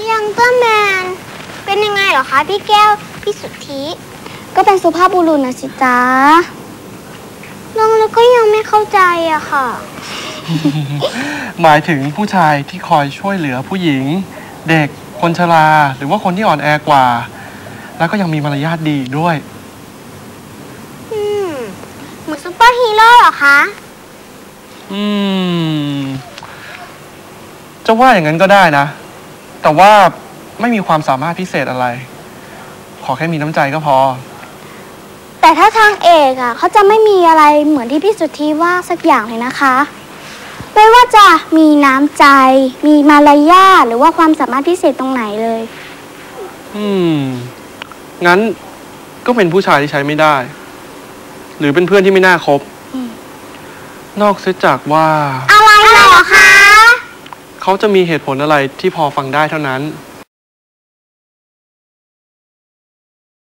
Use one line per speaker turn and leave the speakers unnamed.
ยังเตอร์แมนเป็นยังไงเหรอคะพี่แก้วพี่สุทธิ
ก็เป็นสุภาพบุรุษนะสิจ๊ะ
น้องแล้วก็ยังไม่เข้าใจอะค่ะ
หมายถึงผู้ชายที่คอยช่วยเหลือผู้หญิงเด็กคนชราหรือว่าคนที่อ่อนแอกว่าแล้วก็ยังมีมารยาทดีด้วย
เหมือนซุปเปอร์ฮีโร่เหรอคะ
จะว่าอย่างนั้นก็ได้นะแต่ว่าไม่มีความสามารถพิเศษอะไรขอแค่มีน้ำใจก็พอ
แต่ถ้าทางเอกอ่ะเขาจะไม่มีอะไรเหมือนที่พี่สุทธิว่าสักอย่างเลยนะคะไม่ว่าจะมีน้ำใจมีมารยาทหรือว่าความสามารถพิเศษตรงไหนเลย
งั้นก็เป็นผู้ชายที่ใช้ไม่ได้หรือเป็นเพื่อนที่ไม่น่าคบนอกเสียจากว่า
อะไรเหรอคะ
เขาจะมีเหตุผลอะไรที่พอฟังได้เท่านั้น